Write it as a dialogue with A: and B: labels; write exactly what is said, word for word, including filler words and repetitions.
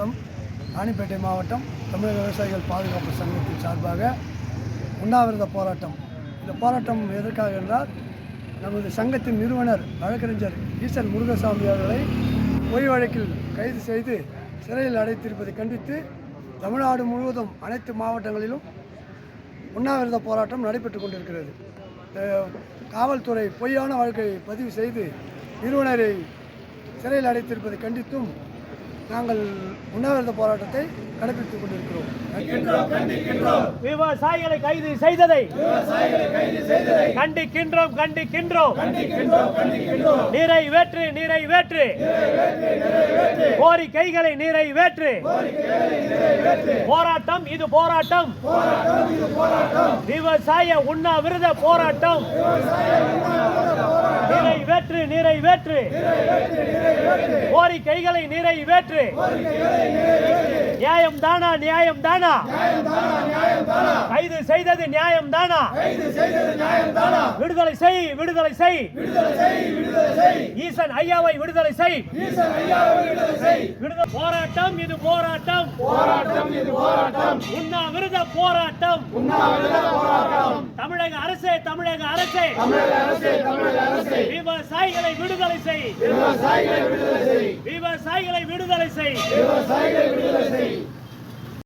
A: மாவட்டம் ராணிப்பேட்டை மாவட்டம் தமிழக விவசாயிகள் பாதுகாப்பு சங்கத்தின் சார்பாக உண்ணாவிரத போராட்டம். இந்த போராட்டம் எதற்காக என்றால், நமது சங்கத்தின் நிறுவனர் வழக்கறிஞர் ஈசன் முருகசாமி அவர்களை பொய் வழக்கில் கைது செய்து சிறையில் அடைத்திருப்பதை கண்டித்து தமிழ்நாடு முழுவதும் அனைத்து மாவட்டங்களிலும் உண்ணாவிரத போராட்டம் நடைபெற்று கொண்டிருக்கிறது. காவல்துறை பொய்யான வழக்கை பதிவு செய்து நிறுவனரை சிறையில் அடைத்திருப்பதை கண்டித்தும் நாங்கள் உண்ணாவிரத போராட்டத்தை கடைபிடித்துக் கொண்டிருக்கிறோம்.
B: விவசாயிகளை கைது செய்ததை கண்டிக்கின்றோம் கண்டிக்கின்றோம் நிறைவேற்று நிறைவேற்று கோரிக்கைகளை நிறைவேற்று. போராட்டம் இது போராட்டம், விவசாய உண்ணாவிரத போராட்டம். நிறைவேற்று நிறைவேற்று கோரிக்கைகளை நிறைவேற்று. நியாயம் தானா நியாயம் தானா கைது செய்தது நியாயம் தானா? விடுதலை செய் விடுதலை செய் ஈசன் ஐயாவை விடுதலை செய். போராட்டம் இது போராட்டம், உண்ணாவிரத போராட்டம். தமிழக அரசே தமிழக அரசே விவசாயிகளை விடுதலை செய், விவசாயிகளை விடுதலை செய்.